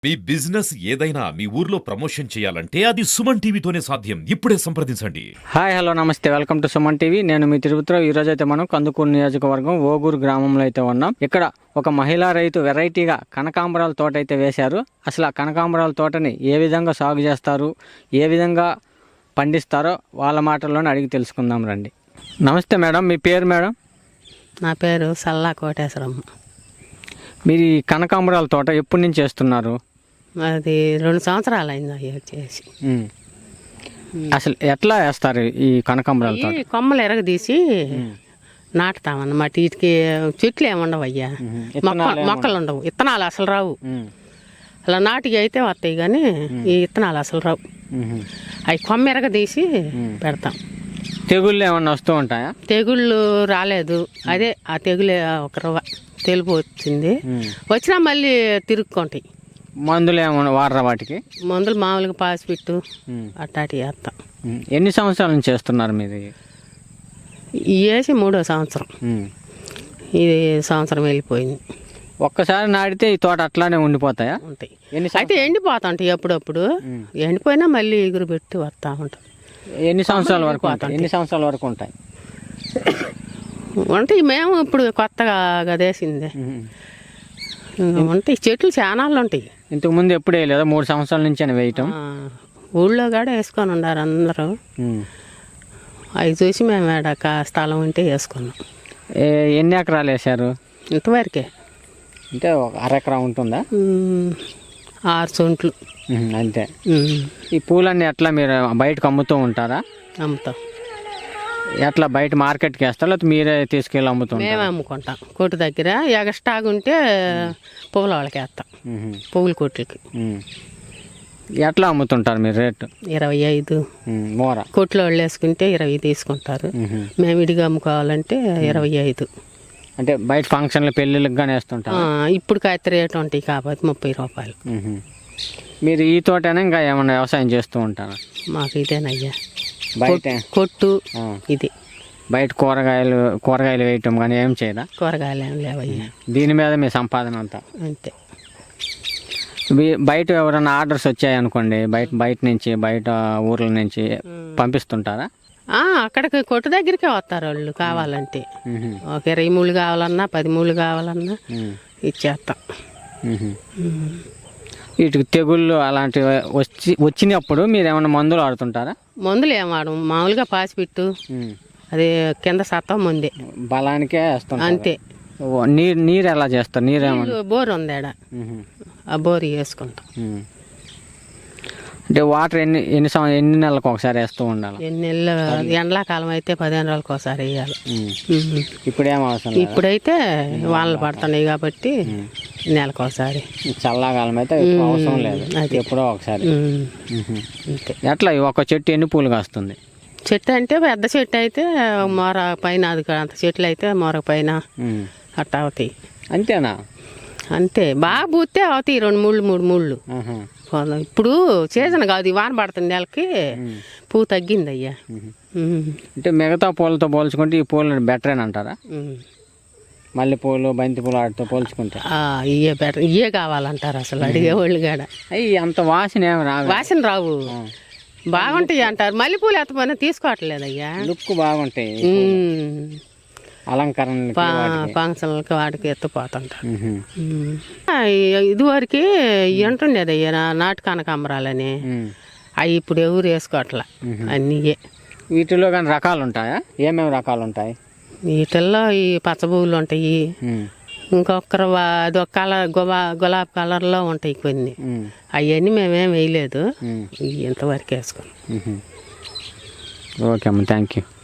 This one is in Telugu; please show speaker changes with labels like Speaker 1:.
Speaker 1: మీ బిజినెస్ ఏదైనా మీ ఊర్లో ప్రమోషన్ చేయాలంటే అది సుమన్ టీవీతోనే సాధ్యం. ఇప్పుడే సంప్రదించండి.
Speaker 2: హాయ్ హలో నమస్తే, వెల్కమ్ టు సుమన్ టీవీ. నేను మీ తిరుపతిరావు. ఈ రోజు అయితే మనం కందుకూరు నియోజకవర్గం ఓగూరు గ్రామంలో అయితే ఉన్నాం. ఇక్కడ ఒక మహిళా రైతు వెరైటీగా కనకాంబరాల తోట అయితే వేశారు. అసలు ఆ కనకాంబరాల తోటని ఏ విధంగా సాగు చేస్తారు, ఏ విధంగా పండిస్తారో వాళ్ళ మాటల్లోనే అడిగి తెలుసుకుందాం రండి. నమస్తే మేడం, మీ పేరు మేడం?
Speaker 3: నా పేరు సల్లా కోటేశ్వరమ్మ.
Speaker 2: మీరు ఈ కనకాంబరాల తోట ఎప్పటి నుంచి చేస్తున్నారు?
Speaker 3: అది 2 సంవత్సరాలు అయింది అయ్యి వచ్చేసి.
Speaker 2: అసలు ఎట్లా వేస్తారు ఈ కనకాంబరాల తోట?
Speaker 3: ఈ కొమ్మలు ఎరగదీసి నాటుతామన్నమాట. వీటికి చెట్లు ఏమి ఉండవు అయ్యా, మొక్కలు ఉండవు, ఇత్తనాలు అసలు రావు. అలా నాటికి అయితే వస్తాయి కానీ ఈ ఇత్తనాలు అసలు రావు. అవి కొమ్మ ఎరగదీసి పెడతాం.
Speaker 2: తెగుళ్ళు ఏమన్నా వస్తూ ఉంటాయా?
Speaker 3: తెగుళ్ళు రాలేదు. అదే ఆ తెగులు ఒక తెలుపు వచ్చింది, వచ్చినా మళ్ళీ తిరుక్కుంటాయి.
Speaker 2: మందులు ఏమన్నా వాడరా వాటికి?
Speaker 3: మందులు మామూలుగా పాసిపిట్టు అట్టాటి వేస్తాం.
Speaker 2: ఎన్ని సంవత్సరాల నుంచి చేస్తున్నారు మీరు?
Speaker 3: వేసి 3వ సంవత్సరం. ఇది సంవత్సరం వెళ్ళిపోయింది.
Speaker 2: ఒక్కసారి నాటితే ఈ తోట అట్లానే ఉండిపోతాయా?
Speaker 3: ఉంటాయి. అయితే ఎండిపోతాంటాయి అప్పుడప్పుడు. ఎండిపోయినా మళ్ళీ ఎగురు పెట్టి వస్తూ ఉంటాం.
Speaker 2: ఎన్ని సంవత్సరాల వరకు ఉంటాయి?
Speaker 3: ఉంటాయి. మేము ఇప్పుడు కొత్తగా గదేసిందే ఉంటాయి. చెట్లు చానాళ్ళు ఉంటాయి.
Speaker 2: ఇంతకుముందు ఎప్పుడు వేయలేదా? 3 సంవత్సరాల నుంచి అని వేయటం.
Speaker 3: ఊళ్ళో కూడా వేసుకొని ఉన్నారు అందరూ. అవి చూసి మేము ఏడాక స్థలం ఉంటే వేసుకున్నాం.
Speaker 2: ఎన్ని ఎకరాలు వేసారు?
Speaker 3: ఇంతవరకే.
Speaker 2: అంటే ఒక అరెకరా ఉంటుందా?
Speaker 3: 6 సెంట్లు
Speaker 2: అంతే. ఈ పూలన్నీ ఎట్లా మీరు బయటకు అమ్ముతూ ఉంటారా?
Speaker 3: అమ్ముతాం.
Speaker 2: ఎట్లా బయట మార్కెట్కి వేస్తారా లేకపోతే మీరే తీసుకెళ్ళి అమ్ముతుంటారా?
Speaker 3: మేమే అమ్ముకుంటాం. కొట్టు దగ్గర ఎగస్టాగ్ ఉంటే పువ్వుల వాళ్ళకి వేస్తాం, పువ్వుల కొట్లకి.
Speaker 2: ఎట్లా అమ్ముతుంటారు మీరు రేటు?
Speaker 3: 25
Speaker 2: మోర.
Speaker 3: కొట్లో వాళ్ళు వేసుకుంటే 20 తీసుకుంటారు. మేము విడిగా అమ్ముకోవాలంటే 25.
Speaker 2: అంటే బయట ఫంక్షన్లు పెళ్ళిళ్ళకి కానీ వేస్తుంటారు.
Speaker 3: ఇప్పుడు కాస్త రేటు ఉంటాయి కాబట్టి 30 రూపాయలు.
Speaker 2: మీరు ఈ తోటనే ఇంకా ఏమన్నా వ్యవసాయం చేస్తూ ఉంటారా?
Speaker 3: మాకు ఇదేనయ్యా
Speaker 2: బయట
Speaker 3: కొట్టు. ఇది
Speaker 2: బయట కూరగాయలు వేయటం కానీ ఏం చేయదా?
Speaker 3: కూరగాయలు ఏం లేవయ్యా.
Speaker 2: దీని మీద మీ సంపాదన అంతా
Speaker 3: అంతే.
Speaker 2: బయట ఎవరైనా ఆర్డర్స్ వచ్చాయనుకోండి, బయట నుంచి బయట ఊర్ల నుంచి పంపిస్తుంటారా?
Speaker 3: అక్కడికి కొట్టు దగ్గరికే వస్తారు వాళ్ళు కావాలంటే. ఒక 20 మూలు కావాలన్నా 10 మూలు కావాలన్నా ఇచ్చేస్తాం.
Speaker 2: వీటికి తెగుళ్ళు అలాంటివి వచ్చినప్పుడు మీరు ఏమైనా మందులు ఆడుతుంటారా?
Speaker 3: మందులు ఏం వాడము, మామూలుగా పాసిపిట్టు అది కింద సత్తం ముందే
Speaker 2: బలానికే వేస్తాం
Speaker 3: అంతే.
Speaker 2: నీరు ఎలా చేస్తారు? నీరేమన్నా
Speaker 3: బోర్ ఉంది ఆడ, ఆ బోర్ వేసుకుంటాం.
Speaker 2: అంటే వాటర్ ఎన్ని నెలలకు ఒకసారి వేస్తూ ఉండాలి?
Speaker 3: ఎన్ని నెలలు? ఎండాకాలం అయితే 15 రోజులకు ఒకసారి వేయాలి.
Speaker 2: ఇప్పుడేం అవసరం?
Speaker 3: ఇప్పుడైతే వానలు పడుతున్నాయి కాబట్టి నెలకు ఒకసారి.
Speaker 2: చల్లకాలం అయితే అవసరం లేదు, ఎప్పుడో ఒకసారి.
Speaker 3: అంతే.
Speaker 2: ఎట్లా ఒక చెట్టు ఎన్ని పూలు కాస్తుంది?
Speaker 3: చెట్టు అంటే పెద్ద చెట్టు అయితే మొర పైన, అది అంత చెట్లు అయితే మొర పైన అట్ట అవుతాయి.
Speaker 2: అంతేనా?
Speaker 3: అంతే. బాగా పూస్తే అవుతాయి 2 మూళ్ళు 3 మూళ్ళు. ఇప్పుడు సీజన్ కాదు, వాన పడుతుంది నెలకి పువ్వు తగ్గింది అయ్యా.
Speaker 2: అంటే మిగతా పూలతో పోల్చుకుంటే ఈ పూలు బెటర్ అని అంటారా? మల్లె పూలు, బంతి పూలు వాటితో పోల్చుకుంటే
Speaker 3: ఇవే బెటర్, ఇవే కావాలంటారు అసలు అడిగేవాళ్ళు కాడ.
Speaker 2: అయ్యి అంత వాసన ఏమి రావు.
Speaker 3: వాసన రావు, బాగుంటాయి అంటారు. మల్లెపూలు ఎత్తపోయినా తీసుకోవట్లేదు అయ్యా.
Speaker 2: లుక్ బాగుంటాయి, అలంకరణ
Speaker 3: ఫంక్షన్లకి వాడికి ఎత్తిపోతుంటారు. ఇదివరకు ఉంటుండేది అయ్యా నాటు కనకాంబరాలని. అవి ఇప్పుడు ఎవరు వేసుకోవట్లా, అన్నీ.
Speaker 2: వీటిలో కానీ రకాలు ఉంటాయా? ఏమేమి రకాలు ఉంటాయి
Speaker 3: వీటిల్లో? ఈ పచ్చబువ్వులు ఉంటాయి, ఇంకొకరు అదొక కలర్ గులాబీ కలర్లో ఉంటాయి కొన్ని. అవన్నీ మేమేం వేయలేదు, ఇంతవరకు వేసుకున్నాం.
Speaker 2: ఓకే అమ్మ, థ్యాంక్ యూ.